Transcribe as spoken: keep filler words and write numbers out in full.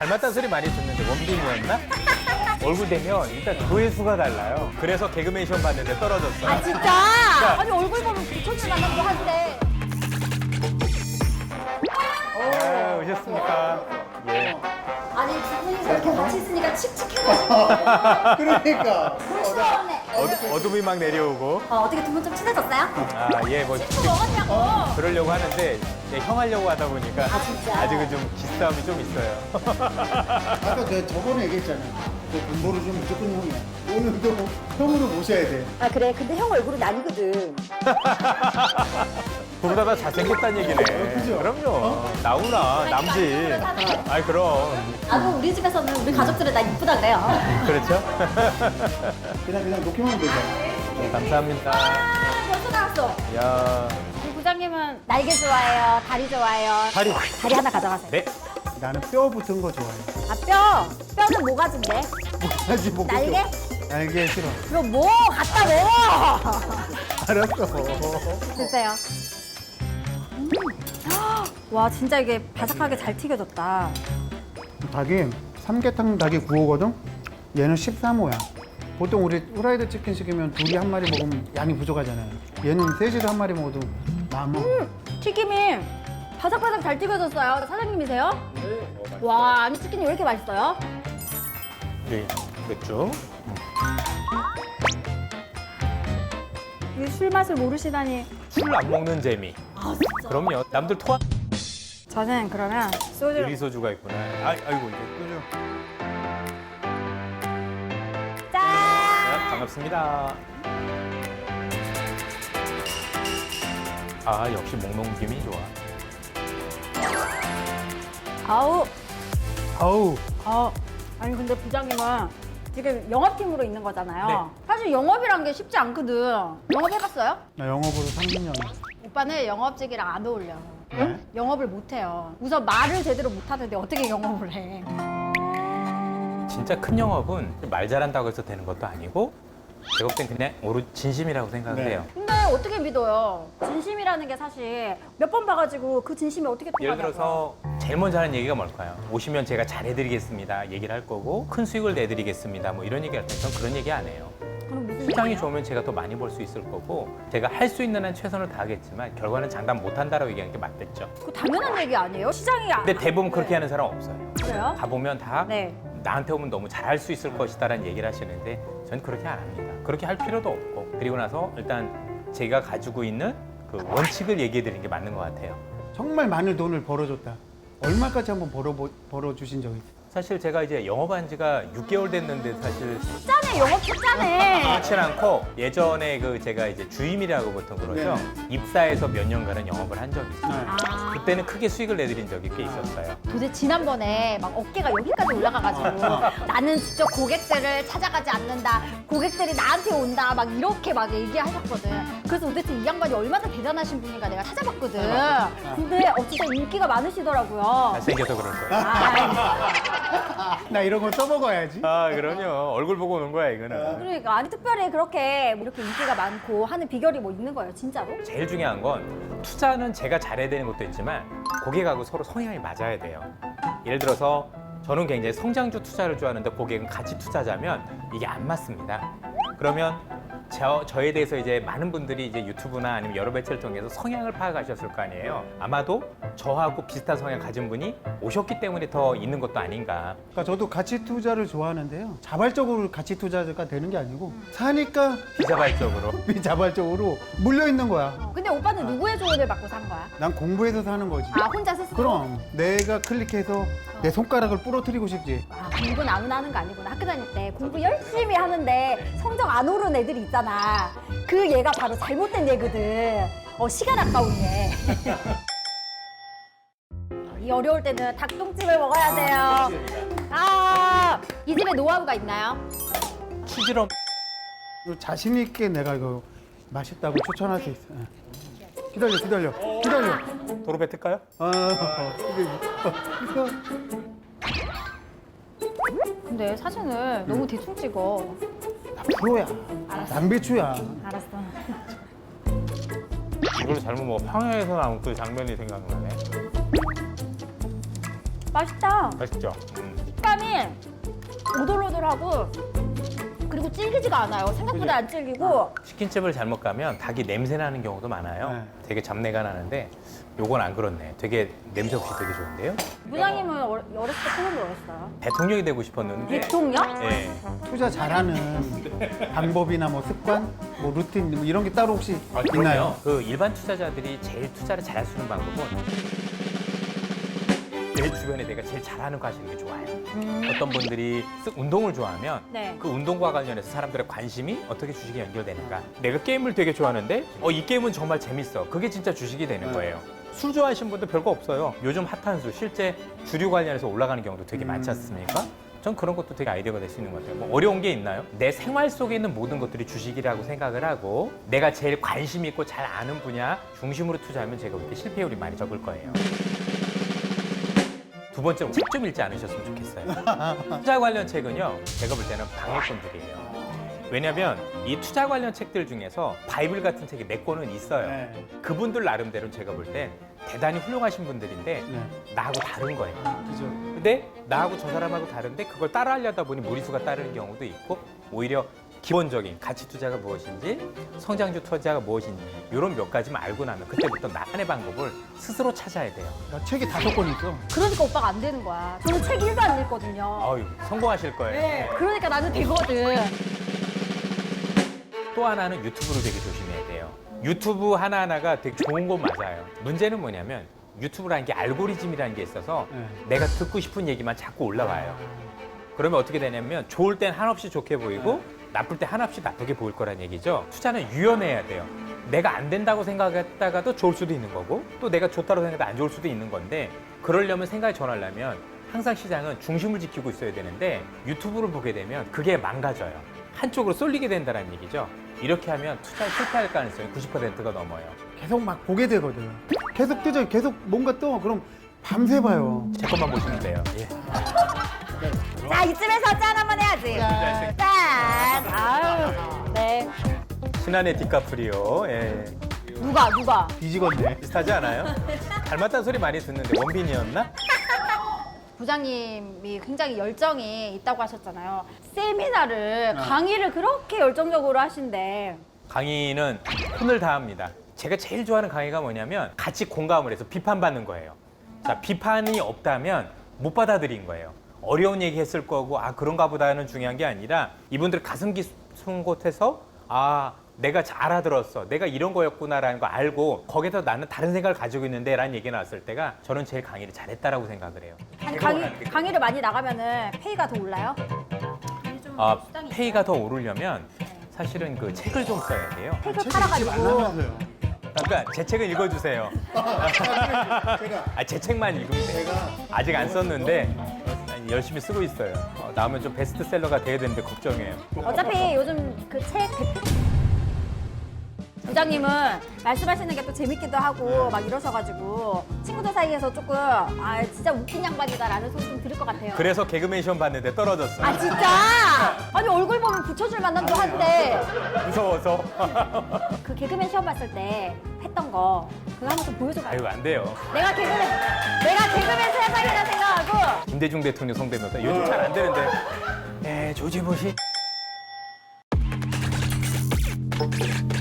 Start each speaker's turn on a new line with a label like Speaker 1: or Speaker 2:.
Speaker 1: 닮았다는 소리 많이 듣는데 원빈이었나? 얼굴 되면 일단 조회수가 달라요. 그래서 개그맨 시험 봤는데 떨어졌어요.
Speaker 2: 아 진짜? 아니 얼굴 보면 부천을 만나고 한데.
Speaker 1: 아, 오셨습니까? 예.
Speaker 2: 아니 두 분이서 이렇게 같이 있으니까 칙칙해가지고.
Speaker 3: 그러니까.
Speaker 2: 부끄러웠네.
Speaker 1: 어두, 어둠이 막 내려오고.
Speaker 2: 어, 어떻게 두 분 좀 친해졌어요?
Speaker 1: 아, 예, 뭐
Speaker 2: 친구 먹었냐고.
Speaker 1: 그러려고 하는데 예, 형 하려고 하다 보니까
Speaker 2: 아, 진짜?
Speaker 1: 아직은 좀 기싸움이 좀 있어요.
Speaker 3: 아까 내가 저번에 얘기했잖아. 너 공부를 좀 무조건 형이야. 오늘도 형으로 모셔야 돼.
Speaker 2: 아 그래 근데 형 얼굴은 아니거든.
Speaker 1: 그보다 다 잘생겼다는 얘기네.
Speaker 3: 그죠?
Speaker 1: 그럼요. 나오나 남지. 아이 그럼.
Speaker 2: 나도 우리 집에서는 우리 가족들은 나 이쁘다 그래요.
Speaker 1: 그렇죠?
Speaker 3: 그냥 그냥 놓기만 하면 되잖아.
Speaker 1: 네, 감사합니다.
Speaker 2: 아 벌써 나왔어.
Speaker 1: 야,
Speaker 2: 우리 부장님은 날개 좋아해요? 다리 좋아해요?
Speaker 1: 다리.
Speaker 2: 다리 하나 가져가세요.
Speaker 1: 네.
Speaker 3: 나는 뼈 붙은 거 좋아해.
Speaker 2: 아 뼈. 뼈는 모가지인데.
Speaker 3: 하지 뭐.
Speaker 2: 날개?
Speaker 3: 날개 싫어.
Speaker 2: 그럼 뭐 갖다 먹어.
Speaker 3: 알았어.
Speaker 2: 드세요. 음. 와 진짜 이게 바삭하게 잘 튀겨졌다.
Speaker 3: 닭이 삼계탕 닭이 구호거든? 얘는 십삼 호야. 보통 우리 후라이드 치킨 시키면 둘이 한 마리 먹으면 양이 부족하잖아요. 얘는 셋이서 한 마리 먹어도 마음 먹어.
Speaker 2: 튀김이 바삭바삭 잘 튀겨졌어요. 사장님이세요? 네. 와 아니 치킨이 왜 이렇게 맛있어요?
Speaker 1: 네. 맥주.
Speaker 2: 이 술 맛을 모르시다니.
Speaker 1: 술 안 먹는 재미.
Speaker 2: 아 진짜?
Speaker 1: 그럼요. 남들 토한
Speaker 2: 저는 그러면 소주를
Speaker 1: 유리 소주가 있구나. 아, 아이고 이제 끄죠.
Speaker 2: 짠!
Speaker 1: 아, 반갑습니다. 아, 역시 목넘김이 좋아.
Speaker 2: 아우
Speaker 3: 아우.
Speaker 2: 어 아니 근데 부장님은 지금 영업팀으로 있는 거잖아요.
Speaker 1: 네.
Speaker 2: 사실 영업이란 게 쉽지 않거든. 영업 해봤어요?
Speaker 3: 나 영업으로 삼십 년.
Speaker 2: 오빠는 영업직이랑 안 어울려.
Speaker 3: 네?
Speaker 2: 영업을 못 해요. 우선 말을 제대로 못 하는데 어떻게 영업을 해?
Speaker 1: 진짜 큰 영업은 말 잘한다고 해서 되는 것도 아니고 제가 볼 땐 그냥 오로 진심이라고 생각을
Speaker 3: 네.
Speaker 1: 해요.
Speaker 2: 근데 어떻게 믿어요? 진심이라는 게 사실 몇 번 봐가지고 그 진심이 어떻게 통하냐고.
Speaker 1: 예를 들어서 제일 먼저 하는 얘기가 뭘까요? 오시면 제가 잘해드리겠습니다 얘기를 할 거고 큰 수익을 내드리겠습니다 뭐 이런 얘기 할 때 전 그런 얘기 안 해요.
Speaker 2: 그럼 무슨
Speaker 1: 시장이
Speaker 2: 얘기예요?
Speaker 1: 좋으면 제가 더 많이 벌 수 있을 거고 제가 할 수 있는 한 최선을 다하겠지만 결과는 장담 못한다라고 얘기하는 게 맞겠죠.
Speaker 2: 그 당연한 얘기 아니에요? 시장이 안-
Speaker 1: 근데 대부분 그렇게
Speaker 2: 네.
Speaker 1: 하는 사람 없어요.
Speaker 2: 그래요?
Speaker 1: 가보면 다
Speaker 2: 네.
Speaker 1: 나한테 오면 너무 잘할 수 있을 것이다라는 얘기를 하시는데 전 그렇게 안 합니다. 그렇게 할 필요도 없고 그리고 나서 일단 제가 가지고 있는 그 원칙을 얘기해 드리는 게 맞는 것 같아요.
Speaker 3: 정말 많은 돈을 벌어줬다. 얼마까지 한번 벌어 벌어주신 적이 있어요?
Speaker 1: 사실 제가 이제 영업한 지가 육 개월 됐는데 사실
Speaker 2: 짜네 영업 짜네.
Speaker 1: 그렇진 않고 예전에 그 제가 이제 주임이라고 보통 그러죠. 입사해서 몇 년간은 영업을 한 적이 있어요.
Speaker 3: 네.
Speaker 2: 아,
Speaker 1: 그때는 크게 수익을 내드린 적이 꽤 있었어요.
Speaker 2: 도대체 지난번에 막 어깨가 여기까지 올라가가지고 나는 직접 고객들을 찾아가지 않는다. 고객들이 나한테 온다. 막 이렇게 막 얘기하셨거든. 그래서 도대체 이 양반이 얼마나 대단하신 분인가 내가 찾아봤거든. 근데 어 진짜 인기가 많으시더라고요.
Speaker 1: 잘생겨서 그럴 거예요.
Speaker 2: 아,
Speaker 3: 나 이런 거 써먹어야지.
Speaker 1: 아 그럼요. 얼굴 보고 오는 거야 이거는.
Speaker 2: 그러니까 아니 특별히 그렇게 이렇게 인기가 많고 하는 비결이 뭐 있는 거예요, 진짜로?
Speaker 1: 제일 중요한 건 투자는 제가 잘해야 되는 것도 있지만 고객하고 서로 성향이 맞아야 돼요. 예를 들어서 저는 굉장히 성장주 투자를 좋아하는데 고객은 가치 투자자면 이게 안 맞습니다. 그러면 저, 저에 대해서 이제 많은 분들이 이제 유튜브나 아니면 여러 매체를 통해서 성향을 파악하셨을 거 아니에요. 아마도 저하고 비슷한 성향 가진 분이 오셨기 때문에 더 있는 것도 아닌가.
Speaker 3: 그러니까 저도 가치 투자를 좋아하는데요. 자발적으로 가치 투자가 되는 게 아니고 사니까
Speaker 1: 비자발적으로.
Speaker 3: 비자발적으로 물려 있는 거야.
Speaker 2: 어, 근데 오빠는 누구의 조언을 받고 산 거야?
Speaker 3: 난 공부해서 사는 거지.
Speaker 2: 아 혼자 스스로?
Speaker 3: 그럼 내가 클릭해서 내 손가락을 부러뜨리고 싶지.
Speaker 2: 아, 공부는 아무나 하는 거 아니구나. 학교 다닐 때 공부 열심히 하는데 성적 안 오르는 애들이 있잖아. 그 얘가 바로 잘못된 얘거든. 어, 시간 아까운 얘. 이 어려울 때는 닭똥집을 먹어야 돼요. 아, 이 집에 노하우가 있나요?
Speaker 1: 추지럼.
Speaker 3: 자신 있게 내가 이거 맛있다고 추천할 수 있어. 기다려, 기다려, 기다려.
Speaker 1: 도로 뱉을까요?
Speaker 3: 아, 이거
Speaker 2: 근데 사진을 너무 대충 찍어.
Speaker 3: 나 프로야.
Speaker 2: 알았어.
Speaker 3: 낭비추야.
Speaker 2: 알았어.
Speaker 1: 이걸 잘못 먹어. 평양에서 나온 그 장면이 생각나네.
Speaker 2: 맛있다.
Speaker 1: 맛있죠? 음.
Speaker 2: 식감이 오돌오돌하고 그리고 질기지가 않아요. 생각보다 안 질기고.
Speaker 1: 치킨집을 잘못 가면 닭이 냄새 나는 경우도 많아요.
Speaker 3: 네.
Speaker 1: 되게 잡내가 나는데 요건 안 그렇네. 되게 냄새 없이 되게 좋은데요.
Speaker 2: 부장님은 어렸을 때 꿈이 뭐였어요?
Speaker 1: 대통령이 되고 싶었는데.
Speaker 2: 대통령?
Speaker 1: 예.
Speaker 3: 투자 잘하는 방법이나 뭐 습관, 뭐 루틴 뭐 이런 게 따로 혹시
Speaker 1: 아,
Speaker 3: 있나요?
Speaker 1: 그 일반 투자자들이 제일 투자를 잘할 수 있는 방법은 내 주변에 내가 제일 잘하는 거 하시는 게 좋아요. 어떤 분들이 쓱 운동을 좋아하면
Speaker 2: 네.
Speaker 1: 그 운동과 관련해서 사람들의 관심이 어떻게 주식에 연결되는가. 내가 게임을 되게 좋아하는데 어, 이 게임은 정말 재밌어. 그게 진짜 주식이 되는 거예요. 술 좋아하시는 분들 별거 없어요. 요즘 핫한 술 실제 주류 관련해서 올라가는 경우도 되게 많지 않습니까? 전 그런 것도 되게 아이디어가 될 수 있는 것 같아요. 뭐 어려운 게 있나요? 내 생활 속에 있는 모든 것들이 주식이라고 생각을 하고 내가 제일 관심 있고 잘 아는 분야 중심으로 투자하면 제가 볼 때 실패율이 많이 적을 거예요. 두 번째로 책 좀 읽지 않으셨으면 좋겠어요. 투자 관련 책은요, 제가 볼 때는 방해꾼들이에요. 왜냐면 이 투자 관련 책들 중에서 바이블 같은 책이 몇 권은 있어요.
Speaker 3: 네.
Speaker 1: 그분들 나름대로 제가 볼 때 대단히 훌륭하신 분들인데
Speaker 3: 네.
Speaker 1: 나하고 다른 거예요.
Speaker 3: 그죠.
Speaker 1: 근데 나하고 저 사람하고 다른데 그걸 따라하려다 보니 무리수가 따르는 경우도 있고 오히려 기본적인 가치 투자가 무엇인지 성장주 투자가 무엇인지 이런 몇 가지만 알고 나면 그때부터 나만의 방법을 스스로 찾아야 돼요.
Speaker 3: 나 책이 다섯 권 있어.
Speaker 2: 그러니까 오빠가 안 되는 거야. 저는 책 일도 안 읽거든요.
Speaker 1: 아유 성공하실 거예요.
Speaker 2: 네. 그러니까 나는 되거든.
Speaker 1: 또 하나는 유튜브를 되게 조심해야 돼요. 유튜브 하나하나가 되게 좋은 건 맞아요. 문제는 뭐냐면 유튜브라는 게 알고리즘이라는 게 있어서
Speaker 3: 네.
Speaker 1: 내가 듣고 싶은 얘기만 자꾸 올라와요. 그러면 어떻게 되냐면 좋을 땐 한없이 좋게 보이고 나쁠 때 한없이 나쁘게 보일 거란 얘기죠. 투자는 유연해야 돼요. 내가 안 된다고 생각했다가도 좋을 수도 있는 거고 또 내가 좋다고 생각해도 안 좋을 수도 있는 건데 그러려면 생각이 전하려면 항상 시장은 중심을 지키고 있어야 되는데 유튜브를 보게 되면 그게 망가져요. 한쪽으로 쏠리게 된다는 얘기죠. 이렇게 하면 투자에 실패할 가능성이 구십 퍼센트가 넘어요.
Speaker 3: 계속 막 보게 되거든. 계속 뜨죠. 계속 뭔가 떠. 그럼 밤새 봐요.
Speaker 1: 제 것만 보시면 돼요. 예.
Speaker 2: 자, 이쯤에서 짠 한번 해야지. 짠. 아유. 네.
Speaker 1: 신한의 디카프리오. 예.
Speaker 2: 누가, 누가?
Speaker 3: 뒤지건데.
Speaker 1: 비슷하지 않아요? 닮았다는 소리 많이 듣는데 원빈이었나?
Speaker 2: 부장님이 굉장히 열정이 있다고 하셨잖아요. 세미나를,
Speaker 3: 아.
Speaker 2: 강의를 그렇게 열정적으로 하신대.
Speaker 1: 강의는 혼을 다합니다. 제가 제일 좋아하는 강의가 뭐냐면 같이 공감을 해서 비판받는 거예요. 자, 비판이 없다면 못 받아들인 거예요. 어려운 얘기 했을 거고 아 그런가 보다는 중요한 게 아니라 이분들 가슴 깊은 곳에서 아 내가 잘 알아들었어. 내가 이런 거였구나라는 거 알고 거기서 나는 다른 생각을 가지고 있는데 라는 얘기 나왔을 때가 저는 제일 강의를 잘했다라고 생각을 해요.
Speaker 2: 아니,
Speaker 1: 제가 원하는
Speaker 2: 강의,
Speaker 1: 게
Speaker 2: 강의를 많이 나가면은 페이가 더 올라요?
Speaker 1: 아, 페이가 더 오르려면 사실은 그 책을 좀 써야 돼요.
Speaker 2: 책을
Speaker 3: 책을 읽지
Speaker 2: 팔아가지고.
Speaker 3: 말라면서요.
Speaker 1: 그러니까 제 책을 읽어주세요.
Speaker 3: 제가
Speaker 1: 아, 제 책만 읽으면 돼요. 아직 안 썼는데 열심히 쓰고 있어요. 어, 나오면 좀 베스트셀러가 돼야 되는데 걱정해요.
Speaker 2: 어차피 요즘 그 책 대표 부장님은 말씀하시는 게 또 재밌기도 하고 막 이러셔가지고 친구들 사이에서 조금 아 진짜 웃긴 양반이다라는 소리 좀 들을 것 같아요.
Speaker 1: 그래서 개그맨 시험 봤는데 떨어졌어요.
Speaker 2: 아 진짜? 아니 얼굴 보면 붙여줄 만남도 한데
Speaker 1: 무서워서.
Speaker 2: 그 개그맨 시험 봤을 때 했던 거 그거 한번 좀 보여줘봐요.
Speaker 1: 아유 안 돼요.
Speaker 2: 내가 개그맨 내가 개그맨 세상이라 생각하고
Speaker 1: 김대중 대통령 성대모사 요즘 잘 안 되는데. 에 조지부시.